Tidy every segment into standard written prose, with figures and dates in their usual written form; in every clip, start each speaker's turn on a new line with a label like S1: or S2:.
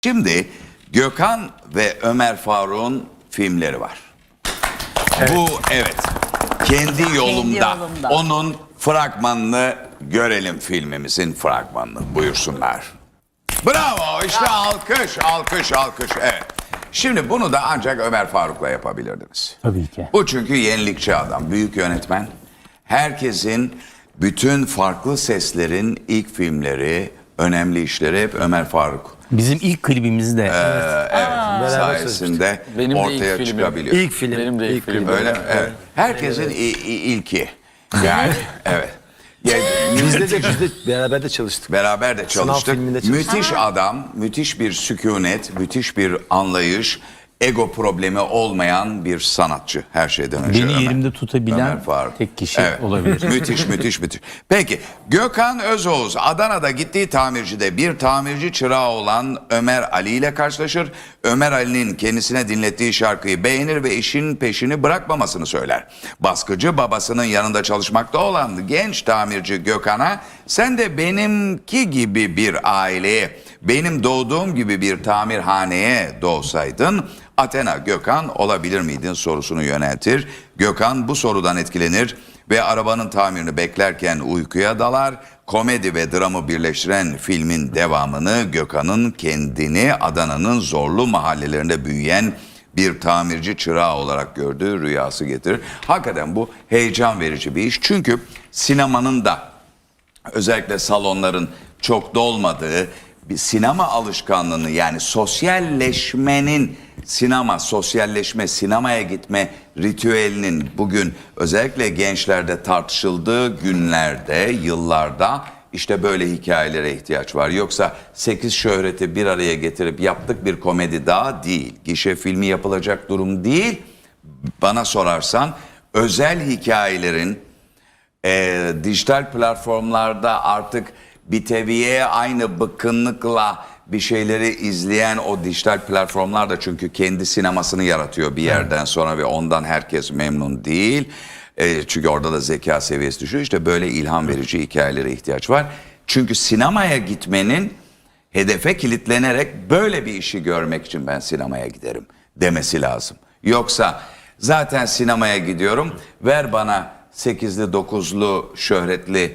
S1: Şimdi Gökhan ve Ömer Faruk'un filmleri var. Evet. Bu kendi yolumda. Onun fragmanını görelim, filmimizin fragmanını. Buyursunlar. Bravo, işte alkış, alkış, alkış. Evet. Şimdi bunu da ancak Ömer Faruk'la yapabilirdiniz.
S2: Tabii ki.
S1: Bu çünkü yenilikçi adam, büyük yönetmen. Herkesin, bütün farklı seslerin ilk filmleri, önemli işleri hep Ömer Faruk.
S2: Bizim ilk klibimiz de
S1: sayesinde ortaya çıkabiliyor.
S3: İlk film.
S4: Benim de ilk film.
S1: Öyle mi? Evet. Herkesin ilki. Yani evet. Yani,
S3: Biz de beraber de çalıştık.
S1: beraber de çalıştık.
S3: filminde çalıştık.
S1: Müthiş adam, müthiş bir sükunet, müthiş bir anlayış, ego problemi olmayan bir sanatçı her şeyden önce.
S2: beni yerimde tutabilen tek kişi olabilir.
S1: Müthiş, müthiş, müthiş. Peki, Gökhan Özoğuz Adana'da gittiği tamircide bir tamirci çırağı olan Ömer Ali ile karşılaşır. Ömer Ali'nin kendisine dinlettiği şarkıyı beğenir ve işin peşini bırakmamasını söyler. Baskıcı babasının yanında çalışmakta olan genç tamirci Gökhan'a sen de benimki gibi bir aileye, benim doğduğum gibi bir tamirhaneye doğsaydın Athena Gökhan olabilir miydin sorusunu yöneltir. Gökhan bu sorudan etkilenir ve arabanın tamirini beklerken uykuya dalar. Komedi ve dramı birleştiren filmin devamını Gökhan'ın kendini Adana'nın zorlu mahallelerinde büyüyen bir tamirci çırağı olarak gördüğü rüyası getirir. Hakikaten bu heyecan verici bir iş. Çünkü sinemanın da özellikle salonların çok dolmadığı bir sinema alışkanlığını, yani sosyalleşmenin sosyalleşme, sinemaya gitme ritüelinin bugün özellikle gençlerde tartışıldığı günlerde, yıllarda işte böyle hikayelere ihtiyaç var. Yoksa 8 şöhreti bir araya getirip yaptık bir komedi daha değil. Gişe filmi yapılacak durum değil. Bana sorarsan özel hikayelerin dijital platformlarda artık bir teviye aynı bıkkınlıkla bir şeyleri izleyen o dijital platformlar da çünkü kendi sinemasını yaratıyor bir yerden sonra ve ondan herkes memnun değil. Çünkü orada da zeka seviyesi düşüyor. İşte böyle ilham verici hikayelere ihtiyaç var. Çünkü sinemaya gitmenin hedefe kilitlenerek böyle bir işi görmek için ben sinemaya giderim demesi lazım. Yoksa zaten sinemaya gidiyorum, ver bana 8'li 9'lu şöhretli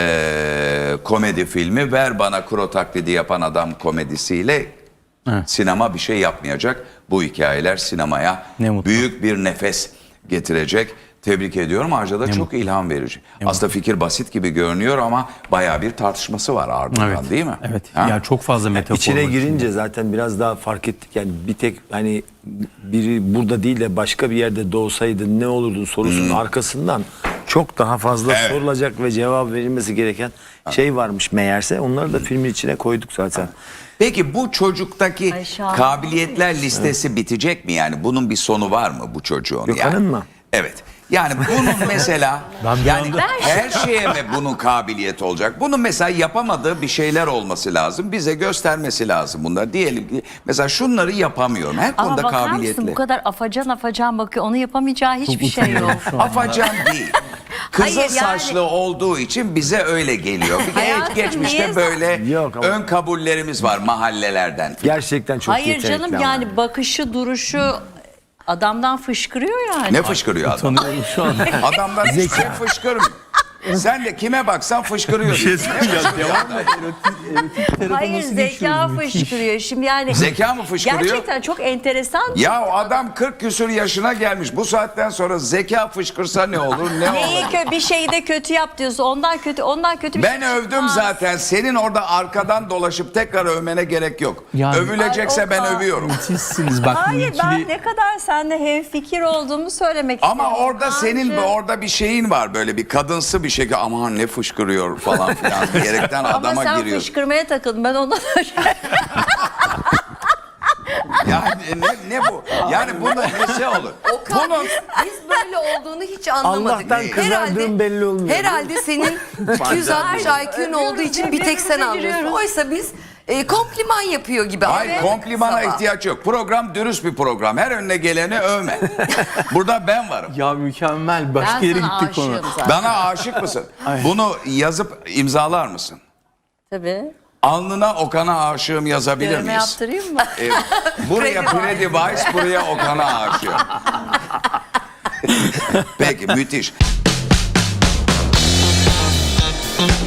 S1: komedi filmi, ver bana kuro taklidi yapan adam komedisiyle sinema bir şey yapmayacak. Bu hikayeler sinemaya büyük bir nefes getirecek. Tebrik ediyorum. Ayrıca da çok ilham verici. Aslında fikir basit gibi görünüyor ama bayağı bir tartışması var ardından, değil mi?
S2: Evet. Yani çok fazla metafor
S3: İçine
S2: var
S3: girince zaten biraz daha fark ettik. Yani bir tek hani biri burada değil de başka bir yerde doğsaydın ne olurdun sorusunun arkasından çok daha fazla sorulacak ve cevap verilmesi gereken şey varmış meğerse. Onları da filmin içine koyduk zaten.
S1: Peki bu çocuktaki kabiliyetler listesi bitecek mi yani? Bunun bir sonu var mı bu çocuğun?
S3: Gökhan'ın mı?
S1: Evet. Yani bunun mesela yani her şeye mi bunun kabiliyeti olacak? Bunun mesela yapamadığı bir şeyler olması lazım. Bize göstermesi lazım bunlar. Diyelim ki mesela şunları yapamıyorum. Her konuda
S5: bakar mısın,
S1: kabiliyetli.
S5: bu kadar afacan bakıyor. Onu yapamayacağı hiçbir şey yok.
S1: Afacan değil. Kızıl
S5: Hayır,
S1: saçlı olduğu için bize öyle geliyor. Bir de
S5: Hayatım,
S1: geçmişte
S5: niye
S1: böyle
S3: Yok ama-
S1: ön kabullerimiz var mahallelerden.
S3: Gerçekten çok
S5: Hayır
S3: yetenekli
S5: canım,
S3: ama.
S5: yani bakışı, duruşu adamdan fışkırıyor yani.
S1: Ne fışkırıyor adam?
S2: Tanıyorum şu an.
S1: Adamdan hiçbir şey fışkırmıyor. Sen de kime baksan fışkırıyor.
S5: Hayır, zeka fışkırıyor. Şimdi yani
S1: Zeka mı fışkırıyor?
S5: gerçekten çok enteresan.
S1: Ya adam 40 küsur yaşına gelmiş. Bu saatten sonra zeka fışkırsa ne olur, ne olur?
S5: Neyi bir şeyi de kötü yap diyorsun. Ondan kötü bir
S1: Ben
S5: şey
S1: övdüm
S5: çıkmaz.
S1: zaten. Senin orada arkadan dolaşıp tekrar övmene gerek yok.
S2: Yani-
S1: Övülecekse
S5: Ay,
S1: ben
S5: Okan.
S1: övüyorum.
S2: Sizsiniz bak.
S5: Hayır,
S2: ikili-
S5: ben ne kadar seninle hemfikir olduğumu söylemek
S1: Ama
S5: istiyorum.
S1: orada senin
S5: Kancı.
S1: orada bir şeyin var, böyle bir kadınsı bir şey. Aman ne fışkırıyor falan filan diyerekten
S5: Ama
S1: adama
S5: sen
S1: giriyorsun.
S5: fışkırmaya takıldın. Ben ondan
S1: Yani ne bu? Yani bunun nesi olur?
S6: Okan,
S1: Bunun
S6: biz böyle olduğunu hiç anlamadık.
S3: Allah'tan kızardığım belli olmuyor.
S6: Herhalde senin 260 IQ'un olduğu için bir tek sen anlıyorsun. Oysa biz kompliman yapıyor gibi.
S1: hayır,
S6: anladık
S1: komplimana
S6: sabah.
S1: ihtiyaç yok. Program dürüst bir program. Her önüne geleni övme. Burada ben varım.
S2: Ya mükemmel. Başka
S5: ben
S2: yere
S5: sana
S2: gittik konu.
S5: aşığım zaten.
S1: Bana aşık mısın? Bunu yazıp imzalar mısın?
S5: Tabii.
S1: Alnına Okan'a aşığım yazabilir
S5: Dövme
S1: miyiz?
S5: yaptırayım mı?
S1: Buraya Pre-Device, buraya Okan'a aşığım. Peki, müthiş.